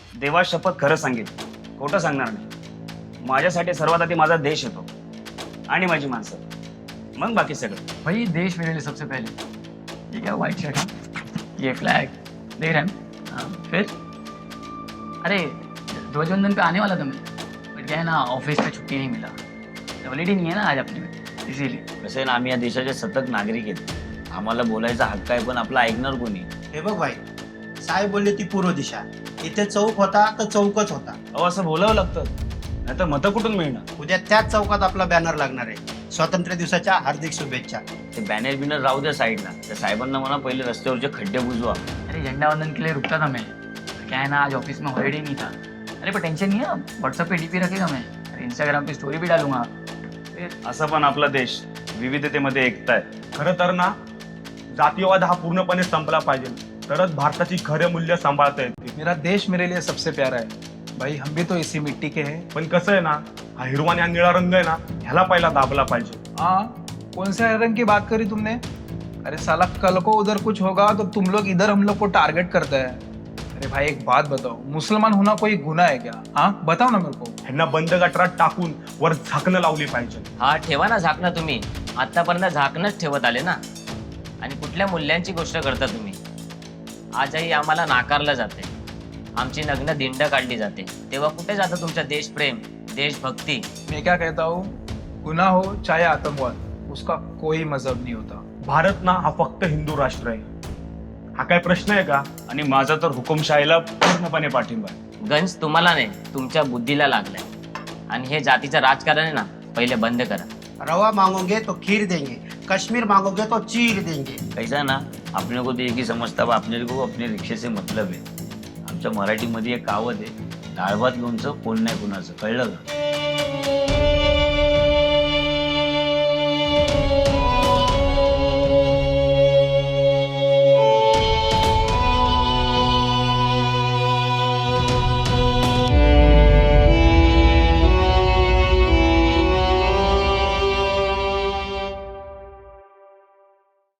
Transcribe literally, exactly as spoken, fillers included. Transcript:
देवा शपथ खरं सांगेन, खोटं सांगणार नाही. माझ्यासाठी सर्वात आधी माझा देश येतो आणि माझी माणसं, मग बाकी सगळं. भाई देश मेरे लिए सबसे पहले. ये क्या व्हाइट शर्ट है, ये फ्लैग देख रहे हैं. हाँ, फिर अरे ध्वजवंदन पे आने वाला था मैं, बट क्या है ना ऑफिस में छुट्टी नहीं मिला. हॉलिडे नहीं है ना आज अपने में, इसीलिए. कसं आहे ना, आम्ही या देशाचे सतत नागरिक आहेत. आम्हाला बोलायचा हक्क आहे, पण आपला ऐकणार कोणी? हे बघ भाई, साहेब बोलले ती पूर्व दिशा. इथे चौक होता तर चौकच होता. अहो असं बोलावं लागतं, नाही तर मतं कुठून मिळणार? उद्या त्याच चौकात आपला बॅनर लागणार आहे. स्वातंत्र्य दिवसाच्या हार्दिक शुभेच्छा. ते बॅनर बिनर राहू द्या साईडला. त्या साहेबांना म्हणा पहिले रस्त्यावरचे खड्डे बुजवा. अरे झंडा वंदन के लिए रुकता था मैं, क्या है ना आज ऑफिस में हॉलिडे नहीं था. अरे पर टेंशन नहीं है, व्हाट्सएप पे डीपी रखेगा मैं, अरे इंस्टाग्राम पे स्टोरी भी डालूंगा. असा पण आपला देश विविधतेमध्ये एकता आहे. खरं तर ना, जातीयवाद हा पूर्णपणे संपला पाहिजे, तरच भारताची खरे मूल्य सांभाळता येतील. मेरा देश मेरे लिए सबसे प्यारा है भाई, हम भी तो इसी मिट्टी के हैं. पण कसं आहे ना, हा हिरवा आणि हा निळा रंग आहे ना, ह्याला पहिला दाबला पाहिजे. हाँ, कौन से रंग की बात करी तुमने? अरे साला कल को उधर कुछ होगा तो तुम लोग इधर हम लोग को टारगेट करते हैं. अरे भाई एक बात बताओ, मुसलमान होना कोई गुनाह है क्या? हाँ बताओ ना मेरे को. ह्यांना बंद गटारात टाकून वर झाकणं लावली पाहिजे. हा ठेवा ना झाकणं तुम्ही. आतापर्यंत झाकणच ठेवत आले ना. आणि कुठल्या मूल्यांची गोष्ट करता तुम्ही? आजही आम्हाला नाकारलं जाते, आमची नग्न दिंड काढली जाते. तेव्हा कुठे जातं तुमचं देशप्रेम, देशभक्ती? मैं क्या कहता हूँ, गुनाह हो चाहे आतंकवाद, उसका कोई मजहब नहीं होता. भारत ना हा फक्त हिंदू राष्ट्र आहे. हा काय प्रश्न आहे का? आणि माझा तर हुकुमशाहीला पूर्णपणे पाठिंबा आहे. गंज तुम्हाला नाही, तुमच्या बुद्धीला लागलाय. आणि हे जातीचं राजकारण आहे ना, पहिले बंद करा. रवा मांगोगे तो खीर देंगे, कश्मीर मांगोगे तो चीर देंगे. कैसा है ना, अपने को तो एक ही समजता है, अपने को अपने रिक्षे से मतलब आहे. आमच्या मराठीमध्ये एक कावत आहे, डाळ भात लोणचं कोण नाही कुणाचं, कळलं का?